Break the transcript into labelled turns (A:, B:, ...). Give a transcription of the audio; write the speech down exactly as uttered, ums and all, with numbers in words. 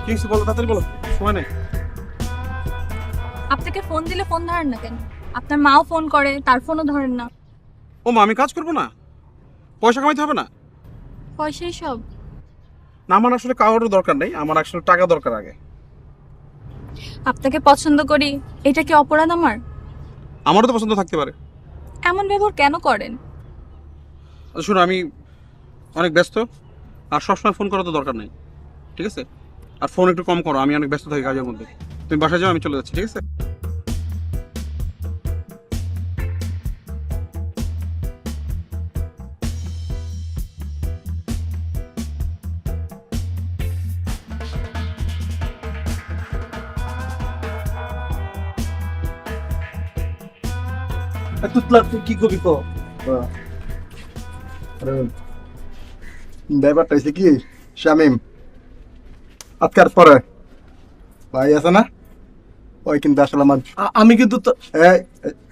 A: কি হয়েছে বলো, তাড়াতাড়ি বলো, সময় নেই।
B: আপনাকে ফোন দিলে ফোন ধরেন না কেন? আপনার মাও ফোন করে, তার ফোনও ধরেন না।
A: ও মা, আমি কাজ করবো না? পয়সা কামাইতে হবে না?
B: পয়সাই সব?
A: না, আমার আসলে কারোর দরকার নেই, আমার আসলে টাকা দরকার আগে।
B: আপনাকে পছন্দ করি, এটা কি অপরাধ আমার?
A: আমারও তো পছন্দ থাকতে পারে।
B: এমন ব্যবহার কেন করেন?
A: আচ্ছা শোনো, আমি অনেক ব্যস্ত, আর সবসময় ফোন করার তো দরকার নেই, ঠিক আছে? আর ফোন একটু কম করো, আমি অনেক ব্যস্ত থাকি কাজের মধ্যে। তুমি বাসায় যাও, আমি চলে যাচ্ছি, ঠিক আছে?
C: তুতলা তুই কি কবি কো? আরে ব্যাপারটা হয়েছে কি শামিম, আজকের পরে ভাই আছে না, ওই কিন্তু আসলে আমার
D: আ- আমি কিন্তু তো
C: এই, এই,